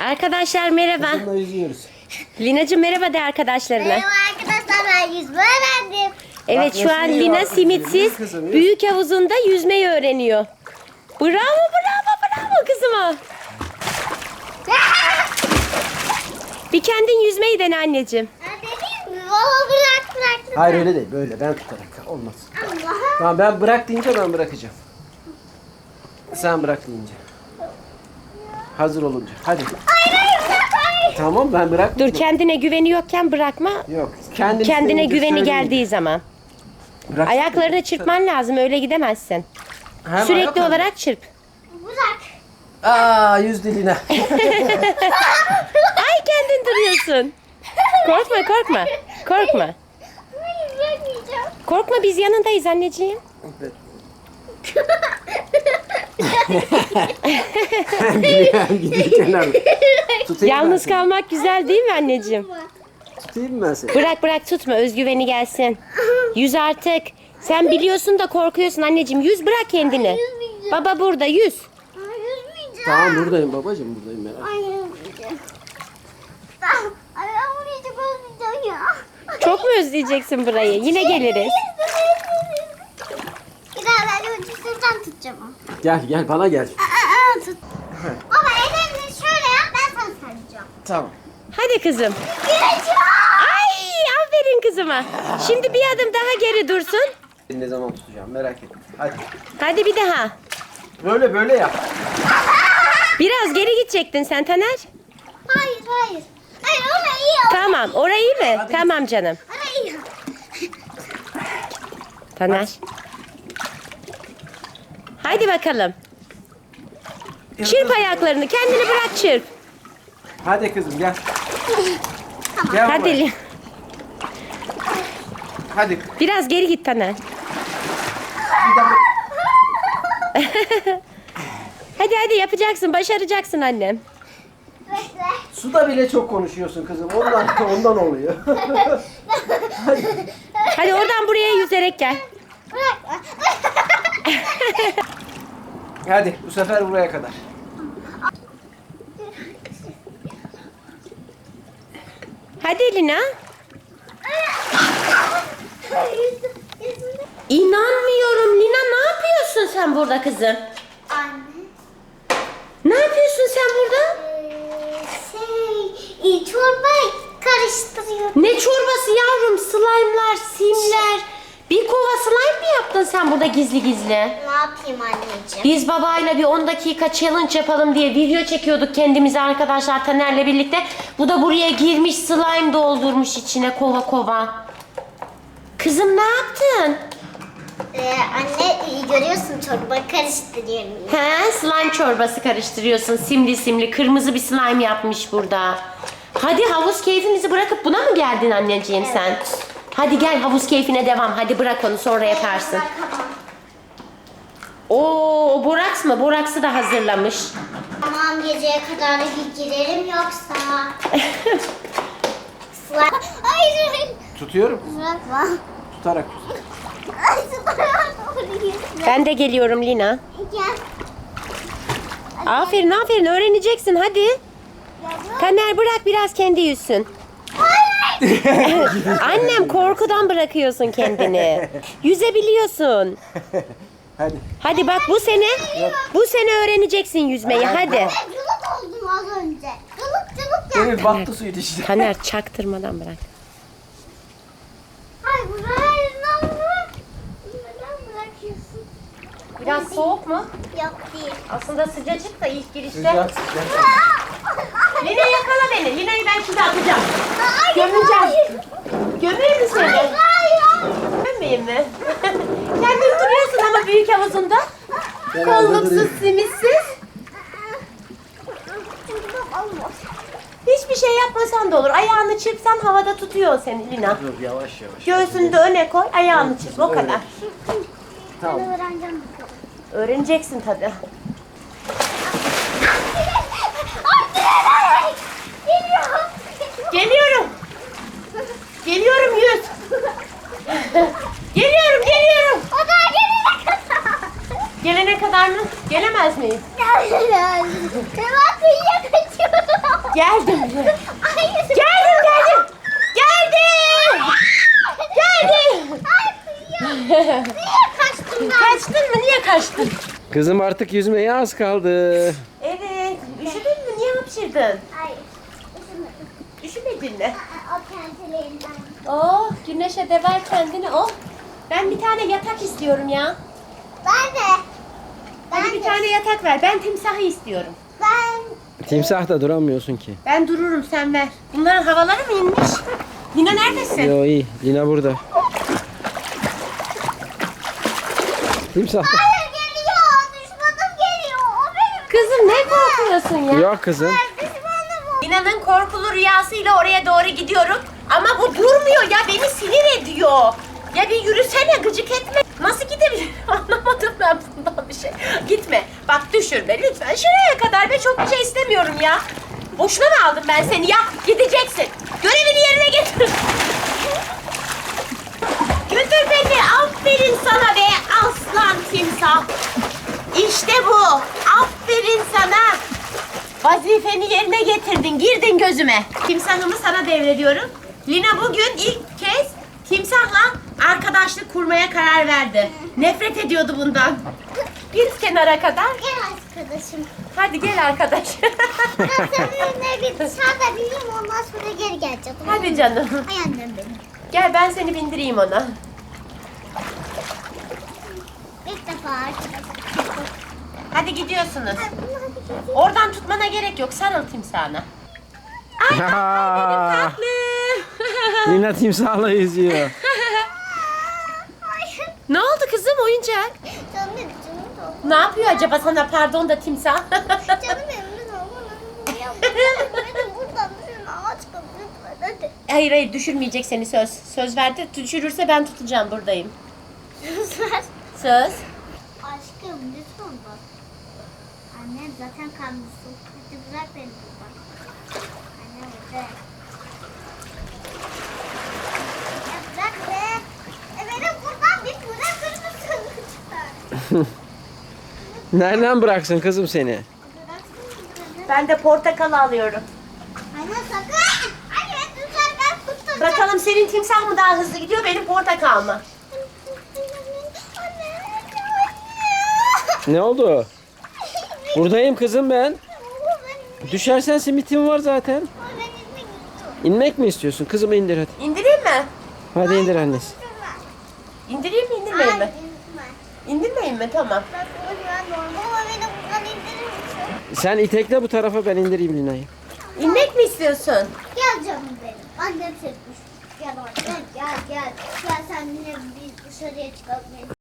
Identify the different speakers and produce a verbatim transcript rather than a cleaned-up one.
Speaker 1: Arkadaşlar merhaba.
Speaker 2: Kızımla yüzüyoruz.
Speaker 1: Lina'cığım merhaba de arkadaşlarına.
Speaker 3: Merhaba arkadaşlar, ben yüzme öğrendim.
Speaker 1: Evet,
Speaker 2: Bak
Speaker 1: şu
Speaker 2: nasıl
Speaker 1: an
Speaker 2: yüzüyor
Speaker 1: Lina
Speaker 2: bak,
Speaker 1: simitsiz
Speaker 2: yüzüyor kızım, yüz.
Speaker 1: büyük havuzunda yüzmeyi öğreniyor. Bravo bravo bravo kızıma. Bir kendin yüzmeyi dene anneciğim.
Speaker 3: Ha, dedim mi? Baba bırak bırak.
Speaker 2: Hayır öyle değil, böyle ben tutarak olmaz.
Speaker 3: Allah.
Speaker 2: Tamam, ben bırak deyince ben bırakacağım. Sen bırak deyince. Hazır olunca. Hadi.
Speaker 3: Hayır hayır bırak hayır.
Speaker 2: Tamam, ben bırak.
Speaker 1: Dur, kendine güveni yokken bırakma.
Speaker 2: Yok. Kendini
Speaker 1: Kendine
Speaker 2: isteyince
Speaker 1: güveni
Speaker 2: söyleyince.
Speaker 1: geldiği zaman.
Speaker 2: Bırak.
Speaker 1: Ayaklarını çırpman lazım, öyle gidemezsin.
Speaker 2: Hem
Speaker 1: Sürekli
Speaker 2: ayak hem-
Speaker 1: olarak çırp.
Speaker 3: Bırak.
Speaker 2: Aa, yüz diline.
Speaker 1: Ay, kendin duruyorsun. Korkma korkma. Korkma.
Speaker 3: Hayır bırakmayacağım.
Speaker 1: Korkma, biz yanındayız anneciğim.
Speaker 2: Hem gidiyor hem gidiyor kenarda. Tutayım ben
Speaker 1: Yalnız
Speaker 2: seni.
Speaker 1: kalmak güzel değil mi anneciğim?
Speaker 2: Tutayım mı ben seni?
Speaker 1: Bırak bırak, tutma, özgüveni gelsin. Yüz artık. Sen biliyorsun da korkuyorsun anneciğim. Yüz, bırak kendini.
Speaker 3: Yüzmeyeceğim.
Speaker 1: Baba burada, yüz.
Speaker 3: Hayır yüzmeyeceğim.
Speaker 2: Tamam, buradayım babacığım, buradayım merak etme.
Speaker 3: Hayır yüzmeyeceğim. Tamam. Ay ben bunu hiç özleyeceğim ya.
Speaker 1: Çok mu özleyeceksin burayı? Yine geliriz.
Speaker 3: Bir daha ben ucuzundan tutacağım onu.
Speaker 2: Gel gel bana gel.
Speaker 3: Aa, aa, tut. Baba ellerini şöyle yap, ben sana saracağım.
Speaker 2: Tamam.
Speaker 1: Hadi kızım.
Speaker 3: Gireceğim.
Speaker 1: Ay, aferin kızıma. Şimdi bir adım daha geri dursun.
Speaker 2: Ne zaman tutacağım merak etme. Hadi.
Speaker 1: Hadi bir daha.
Speaker 2: Böyle böyle yap.
Speaker 1: Biraz geri gidecektin sen Taner.
Speaker 3: Hayır hayır. Hayır ona iyi ol.
Speaker 1: Tamam, orayı mı? Tamam canım.
Speaker 3: Ona iyi ol.
Speaker 1: Taner. Haydi bakalım. Çırp ayaklarını, kendini bırak, çırp.
Speaker 2: Hadi kızım gel. Gel
Speaker 1: Hadi
Speaker 2: buraya.
Speaker 1: Li-
Speaker 2: Hadi.
Speaker 1: biraz geri git Taner.
Speaker 2: Bir daha.
Speaker 1: Hadi hadi, yapacaksın, başaracaksın annem.
Speaker 3: Bekle.
Speaker 2: Suda bile çok konuşuyorsun kızım. Ondan ondan oluyor.
Speaker 1: Hadi oradan buraya yüzerek gel.
Speaker 3: Bırak.
Speaker 2: Hadi bu sefer buraya kadar.
Speaker 1: Hadi Lina. İnanmıyorum Lina, ne yapıyorsun sen burada kızım?
Speaker 3: Anne.
Speaker 1: Ne yapıyorsun sen burada?
Speaker 3: Ee, şey, e, çorba karıştırıyorum.
Speaker 1: Ne çorbası yavrum? Slime'lar, simler. Bir kova slime mi yaptın sen burada gizli gizli?
Speaker 3: Ne yapayım anneciğim?
Speaker 1: Biz babayla bir on dakika challenge yapalım diye video çekiyorduk kendimize arkadaşlar Taner'le birlikte. Bu da buraya girmiş, slime doldurmuş içine kova kova. Kızım ne yaptın?
Speaker 3: Ee, anne e, görüyorsun çorba karıştırıyorum.
Speaker 1: He, slime çorbası karıştırıyorsun. Simli simli kırmızı bir slime yapmış burada. Hadi havuz keyfimizi bırakıp buna mı geldin anneciğim sen? Hadi gel, havuz keyfine devam. Hadi bırak onu, sonra yaparsın.
Speaker 3: Bırakamam.
Speaker 1: Oo, o boraks mı? Boraksı da hazırlamış.
Speaker 3: Tamam, geceye kadar da bir girerim yoksa. Sıla. Hayır hayır.
Speaker 2: Tutuyorum.
Speaker 3: Bırakma.
Speaker 2: Tutarak tut.
Speaker 3: Ay sıla. Doğru yüzme.
Speaker 1: Ben de geliyorum Lina.
Speaker 3: Gel.
Speaker 1: Aferin aferin, öğreneceksin hadi.
Speaker 3: Gel.
Speaker 1: Taner bırak biraz kendi yüzsün. Annem, korkudan bırakıyorsun kendini. Yüzebiliyorsun.
Speaker 2: Hadi.
Speaker 1: Hadi bak, bu sene bu sene öğreneceksin yüzmeyi, hadi.
Speaker 3: Ben cılık oldum az önce. Cılık cılık yaptım.
Speaker 2: Demir battı suyun içine.
Speaker 1: Taner, çaktırmadan bırak.
Speaker 3: Hayır hayır lan bırak. Neden bırakıyorsun?
Speaker 1: Biraz soğuk mu?
Speaker 3: Yok değil.
Speaker 1: Aslında sıcacık da ilk girişte.
Speaker 2: Sıcak sıcak.
Speaker 1: Lina yakala beni. Lina'yı ben şimdi atacağım.
Speaker 3: Hayır,
Speaker 1: Gömeceğim.
Speaker 3: hayır.
Speaker 1: Gömeyim mi seni?
Speaker 3: Hayır, hayır.
Speaker 1: Gömmeyeyim mi? Kendin duruyorsun ama büyük havuzunda.
Speaker 2: Ben
Speaker 1: Kolluksuz,
Speaker 2: duruyorum.
Speaker 1: simitsiz.
Speaker 3: Olmaz.
Speaker 1: Hiçbir şey yapmasan da olur. Ayağını çırpsan havada tutuyor seni Lina.
Speaker 2: Dur yavaş yavaş.
Speaker 1: Göğsünü de öne koy, ayağını çırp. O kadar.
Speaker 2: Tamam.
Speaker 3: Ben öğreneceğim bakalım.
Speaker 1: Öğreneceksin tabii.
Speaker 3: Anne! Geliyorum.
Speaker 1: Geliyorum. Geliyorum, yüz. Geliyorum, geliyorum.
Speaker 3: O da gelene kadar.
Speaker 1: Gelene kadar mı? Gelemez miyim?
Speaker 3: Ben kıyıya kaçıyorum.
Speaker 1: Geldim.
Speaker 3: Hayır.
Speaker 1: Geldim geldim. Geldim. Geldim.
Speaker 3: Niye kaçtın ben?
Speaker 1: Kaçtın mı? Niye kaçtın?
Speaker 2: Kızım artık yüzmeye az kaldı.
Speaker 1: Evet. Üşüdün mü? Niye hapşırdın?
Speaker 3: Hayır. Üşümedim.
Speaker 1: Üşümedin mi?
Speaker 3: Aa, O kendilerinden.
Speaker 1: Oh, güneşe de ver kendini. Oh. Ben bir tane yatak istiyorum ya.
Speaker 3: Ben de.
Speaker 1: Hadi
Speaker 3: Ben
Speaker 1: bir
Speaker 3: de.
Speaker 1: tane yatak ver. Ben timsahı istiyorum.
Speaker 3: Ben.
Speaker 2: Timsahta duramıyorsun ki.
Speaker 1: Ben dururum, sen ver. Bunların havaları mı inmiş? Lina neredesin?
Speaker 2: Yo iyi. Lina burada. Timsah.
Speaker 3: Hayır geliyor. Düşmanım geliyor. O benim.
Speaker 1: Kızım ne korkuyorsun ya?
Speaker 2: Yok kızım.
Speaker 3: Düşmanım o.
Speaker 1: Lina'nın korkulu rüyasıyla oraya doğru gidiyorum. Ama bu durmuyor ya, beni sinir ediyor. Ya bir yürüsene, gıcık etme. Nasıl gidebilir? Anlamadım ben bundan bir şey. Gitme. Bak düşürme lütfen. Şuraya kadar ve çok bir şey istemiyorum ya. Boşuna mı aldım ben seni ya? Gideceksin. Görevini yerine getir. Götür beni. Aferin sana be aslan timsah. İşte bu. Aferin sana. Vazifeni yerine getirdin. Girdin gözüme. Timsahımı sana devrediyorum. Lina bugün ilk kez timsahla arkadaşlık kurmaya karar verdi. Nefret ediyordu bundan. Bir kenara kadar.
Speaker 3: Gel arkadaşım.
Speaker 1: Hadi gel arkadaş.
Speaker 3: Ben seninle bir dışarıda bineyim ondan sonra geri geleceğim.
Speaker 1: Hadi canım.
Speaker 3: Ay annem benim.
Speaker 1: Gel ben seni bindireyim ona.
Speaker 3: İlk defa arkadaşım.
Speaker 1: Hadi gidiyorsunuz.
Speaker 3: Ay, bunu hadi gideyim.
Speaker 1: Oradan tutmana gerek yok. Sarıl timsahına. Ay tatlı.
Speaker 2: Lina timsahla yüzüyor.
Speaker 3: Ay.
Speaker 1: Ne oldu kızım, oyuncak?
Speaker 3: Canım benim canım da.
Speaker 1: Ne yapıyor acaba sana, pardon da timsah?
Speaker 3: Canım benim lütfen bana ya. Beni buradan düşün ağaç kapı lütfen hadi.
Speaker 1: Hayır hayır, düşürmeyecek seni, söz. Söz verdi. Düşürürse ben tutacağım, buradayım.
Speaker 3: Lütfen.
Speaker 1: Söz.
Speaker 3: Aşkım lütfen bak. Annem zaten kalmışsın. Hadi bırak beni buradan. Anne hadi. Ya bırak be. E beni buradan bir bırakır mısın lütfen?
Speaker 2: Nereden bıraksın kızım seni?
Speaker 3: Bıraksın beni.
Speaker 1: Ben de portakal alıyorum.
Speaker 3: Anne sakın. Anne lütfen ben tutacağım.
Speaker 1: Bakalım senin timsah mı daha hızlı gidiyor, benim portakal mı?
Speaker 3: Anne.
Speaker 2: Ne oldu? Buradayım kızım ben.
Speaker 3: Anne.
Speaker 2: Düşersen simitim var zaten.
Speaker 3: Ben gitmek istiyorum.
Speaker 2: İnmek mi istiyorsun? Kızımı indir hadi.
Speaker 1: İndireyim mi?
Speaker 2: Hadi indir annesi.
Speaker 1: İndireyim mi, indirmeyeyim mi?
Speaker 3: Lütfen.
Speaker 1: İndirmeyeyim mi? Tamam.
Speaker 3: Ben bunu normal ama beni buradan indirir misin?
Speaker 2: Sen itekle bu tarafa, ben indireyim Lina'yı.
Speaker 1: İnmek mi istiyorsun?
Speaker 3: Gel canım benim. Annem çekmiş. Gel oraya. Gel gel gel. Gel sen yine bir dışarıya çıkalım.